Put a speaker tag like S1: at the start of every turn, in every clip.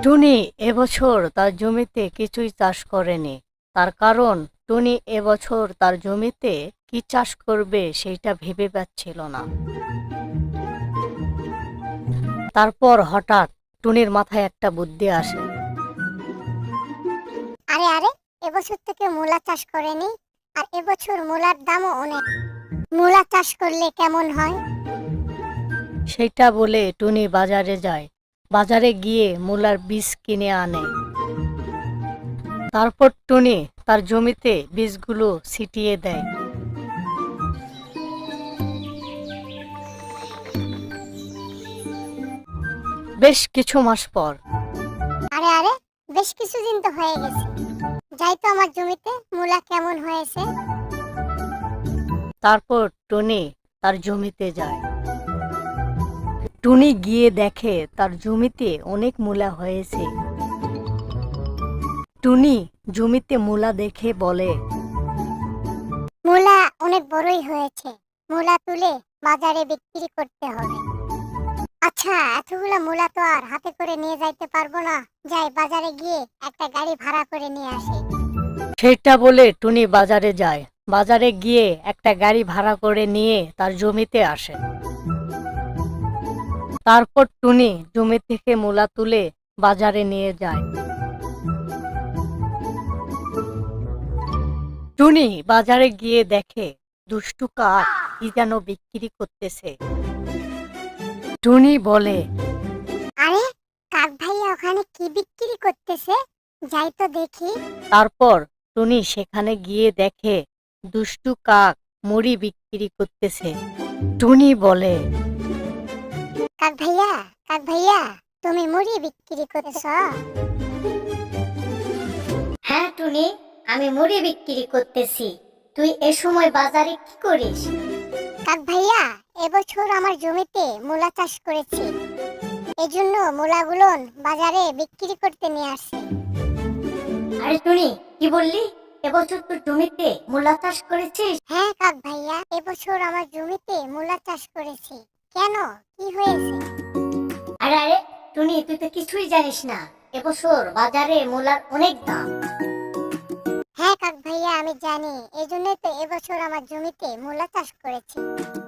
S1: টুনি এবছর তার জমিতে কিছুই চাষ করেনি। তার কারণ টুনি এবছর তার জমিতে কি চাষ করবে সেটা ভেবে পাচ্ছিল না। তারপর হঠাৎ টুনির মাথায় একটা বুদ্ধি আসে।
S2: আরে আরে, এবছর থেকে মূলা চাষ করেনি, আর এবছর মূলার দামও অনেক। মূলা চাষ করলে কেমন হয়?
S1: সেইটা বলে টুনি বাজারে যায়। বাজারে গিয়ে মূলার বীজ কিনে আনে। তারপর টুনি তার জমিতে বীজগুলো ছিটিয়ে দেয়। বেশ কিছু মাস পর
S2: আরে আরে, বেশ কিছুদিন তো হয়ে গেছে। যাই তো আমার জমিতে মূলা কেমন হয়েছে।
S1: তারপর টুনি তার জমিতে যায়। টুনি গিয়ে দেখে তার জমিতে অনেক মূলা হয়েছে। টুনি জমিতে মূলা দেখে বলে,
S2: মূলা অনেক বড়ই হয়েছে, মূলা তুলে বাজারে বিক্রি করতে হবে। আচ্ছা, এতগুলা মূলা তো আর হাতে করে নিয়ে যাইতে পারবো না। যাই বাজারে গিয়ে একটা গাড়ি ভাড়া করে নিয়ে আসি।
S1: সেটা বলে টুনি বাজারে যায়। বাজারে গিয়ে একটা গাড়ি ভাড়া করে নিয়ে তার জমিতে আসে। তারপর টুনি জমি থেকে মূলা তুলে বাজারে নিয়ে যায়। টুনি বাজারে গিয়ে দেখে দুষ্টু কাক কি যেন বিক্রি করতেছে। টুনি বলে,
S2: আরে, কাক ভাইয়া ওখানে কি বিক্রি করতেছে? যাই তো দেখি।
S1: তারপর টুনি সেখানে গিয়ে দেখে দুষ্টু কাক মুড়ি বিক্রি করতেছে। টুনি বলে,
S2: কাক ভাইয়া, কাক ভাইয়া, তুমি মুড়ি বিক্রি করতেছ?
S3: হ্যাঁ টুনি, আমি মুড়ি বিক্রি করতেছি। তুই এ সময় বাজারে কি করিস?
S2: কাক ভাইয়া, এবছর আমার জমিতে মূলা চাষ করেছি, এজন্য মূলাগুলো বাজারে বিক্রি করতে নিয়ে আসছি।
S3: আরে টুনি, কি বললি? এবছর তোর জমিতে মূলা চাষ করেছিস?
S2: হ্যাঁ কাক ভাইয়া, এবছর আমার জমিতে মূলা চাষ করেছি। কেন, কি হয়েছে?
S3: আরে আরে টুনি, তুই তো কিছুই জানিস না। এবছর বাজারে মূলার অনেক দাম।
S2: হ্যাঁ কাক ভাইয়া, আমি জানি, এজন্যই তো এবছর আমার জমিতে মূলা চাষ করেছি।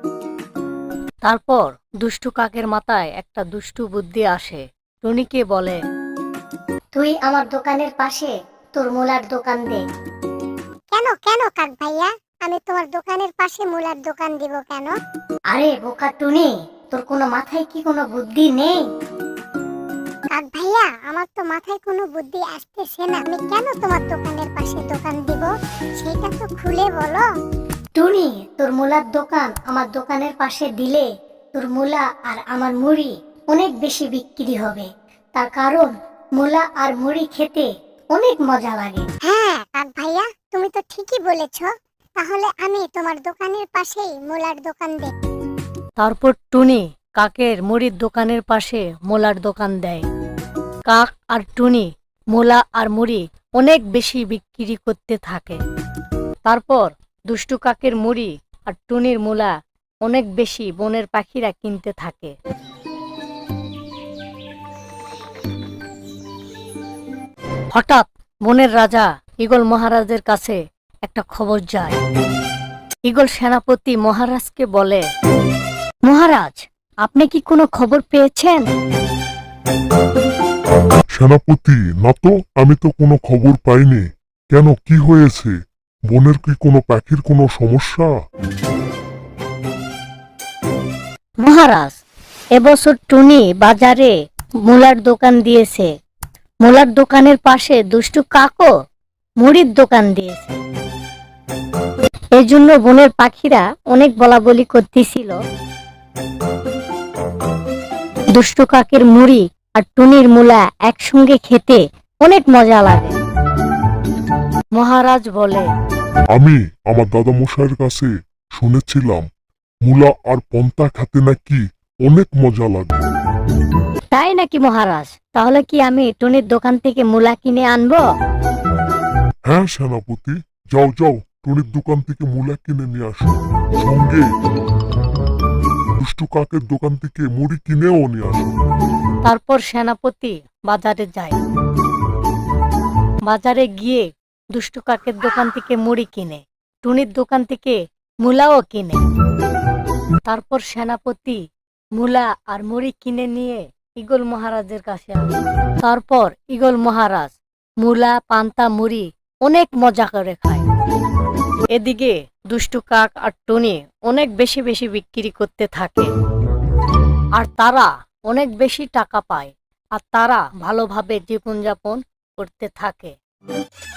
S1: তারপর দুষ্টু কাকের মাথায় একটা দুষ্টু বুদ্ধি আসে। টুনিকে বলে,
S3: তুই আমার দোকানের পাশে তোর মূলার দোকান দে।
S2: কেন কেন কাক ভাইয়া, আমি তোমার দোকানের পাশে মূলার দোকান দিব কেন?
S3: আরে বোকা টুনি, তোর কোনো মাথায় কি কোনো বুদ্ধি নেই?
S2: কাক ভাইয়া, আমার তো মাথায় কোনো বুদ্ধি আসতেছে না। আমি কেন তোমার দোকানের পাশে দোকান দিব, সেটা তো খুলে বলো।
S3: টুনি, তোর মূলার দোকান আমার দোকানের পাশে দিলে তোর মূলা আর আমার মুড়ি অনেক বেশি বিক্রি হবে। তার কারণ মূলা আর মুড়ি খেতে অনেক মজা লাগে।
S2: হ্যাঁ কাক ভাইয়া, তুমি তো ঠিকই বলেছ। তাহলে আমি তোমার দোকানের পাশেই মূলার দোকান দেব।
S1: তারপর টুনি কাকের মুড়ির দোকানের পাশে মোলার দোকান দেয়। কাক আর টুনি মোলা আর মুড়ি অনেক বেশি বিক্রি করতে থাকে। তারপর দুষ্টু কাকের মুড়ি আর টুনির মোলা অনেক বেশি বনের পাখিরা কিনতে থাকে। হঠাৎ বনের রাজা ঈগল মহারাজের কাছে একটা খবর যায়। ঈগল সেনাপতি মহারাজকে বলে, মহারাজ, আপনি কি কোনো খবর পেয়েছেন?
S4: সেনাপতি, না তো, আমি তো কোনো খবর পাইনি। কেন, কি হয়েছে? বনের কি কোনো পাখির কোনো সমস্যা?
S1: মহারাজ, এবছর টুনি বাজারে মূলার দোকান দিয়েছে। মূলার দোকানের পাশে দুষ্টু কাকও মুড়ির দোকান দিয়েছে। এজন্য বনের পাখিরা অনেক বলাবলি করতেছিল দুষ্টু কাকের মুড়ি আর টুনির মূলা একসঙ্গে খেতে অনেক মজা লাগে। মহারাজ বলে,
S4: আমি আমার দাদা মশাইয়ের কাছে শুনেছিলাম মূলা আর পন্তা খেতে নাকি অনেক মজা লাগে।
S1: তাই নাকি মহারাজ? তাহলে কি আমি টুনির দোকান থেকে মূলা কিনে আনবো?
S4: হ্যাঁ সেনাপতি, যাও যাও, টুনির দোকান থেকে মূলা কিনে নিয়ে আসো। সঙ্গে দুষ্টু কাকের দোকান থেকে মুড়ি কিনেও নিয়ে আসো।
S1: তারপর সেনাপতি বাজারে যায়। বাজারে গিয়ে দুষ্টু কাকের দোকান থেকে মুড়ি কিনে, টুনির দোকান থেকে মূলাও কিনে। তারপর সেনাপতি মূলা আর মুড়ি কিনে নিয়ে ঈগল মহারাজের কাছে আসে। তারপর ঈগল মহারাজ মূলা, পান্তা, মুড়ি অনেক মজা করে খায়। এদিকে দুষ্টু কাক আর টুনি অনেক বেশি বেশি বিক্রি করতে থাকে, আর তারা অনেক বেশি টাকা পায়, আর তারা ভালোভাবে জীবনযাপন করতে থাকে।